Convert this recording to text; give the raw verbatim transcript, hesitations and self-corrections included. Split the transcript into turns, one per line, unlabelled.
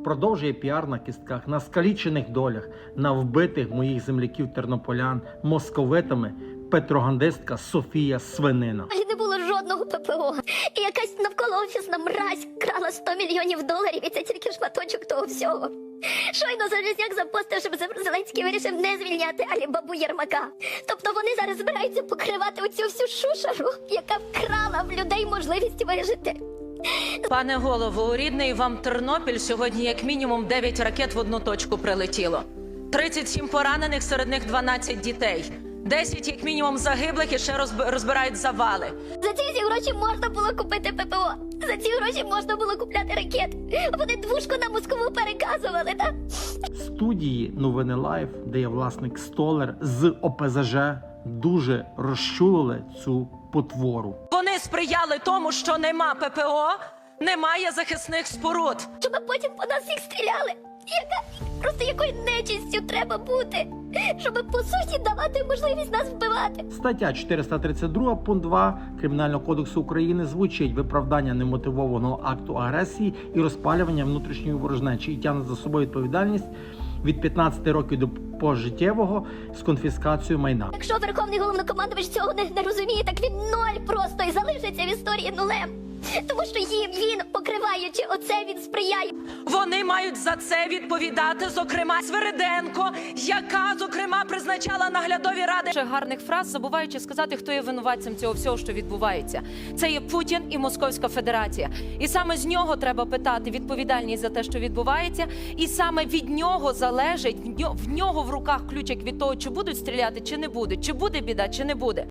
продовжує піар на кістках, на скалічених долях, на вбитих моїх земляків-тернополян московитами петрогандистка Софія Свинина.
І не було жодного ППО. І якась навколоофісна мразь крала сто мільйонів доларів, і це тільки шматочок того всього. Щойно Залізняк запостив, щоб Зеленський вирішив не звільняти Алібабу Єрмака. Тобто вони зараз збираються покривати оцю всю шушеру, яка вкрала в людей можливість вижити.
Пане голово, у рідний вам Тернопіль сьогодні як мінімум дев'ять ракет в одну точку прилетіло. тридцять сім поранених, серед них дванадцять дітей. десять як мінімум загиблих і ще розбирають завали.
За ці всі гроші можна було купити ППО. За ці гроші можна було купляти ракети. Вони двушку на Москву переказували, так?
Студії Новини Лайф, де є власник Столер з О Пе Зе Же, дуже розчулили цю потвору.
Вони сприяли тому, що нема ППО, немає захисних споруд.
Щоб потім по нас всіх стріляли. Яка просто якою нечистю треба бути, щоб по суті давати можливість нас вбивати.
Стаття чотириста тридцять два, пункт два Кримінального кодексу України звучить: виправдання немотивованого акту агресії і розпалювання внутрішньої ворожнечі, і тягне за собою відповідальність від п'ятнадцяти років до пожиттєвого з конфіскацією майна.
Якщо Верховний Головнокомандувач цього не, не розуміє, так він ноль просто і залишиться в історії нулем. Тому що їм він, покриваючи оце, він сприяє.
Вони мають за це відповідати, зокрема, Свириденко, яка, зокрема, призначала наглядові ради.
Ще гарних фраз, забуваючи сказати, хто є винуватцем цього всього, що відбувається. Це є Путін і Московська Федерація. І саме з нього треба питати відповідальність за те, що відбувається. І саме від нього залежить, в нього в руках ключик від того, чи будуть стріляти, чи не будуть, чи буде біда, чи не буде.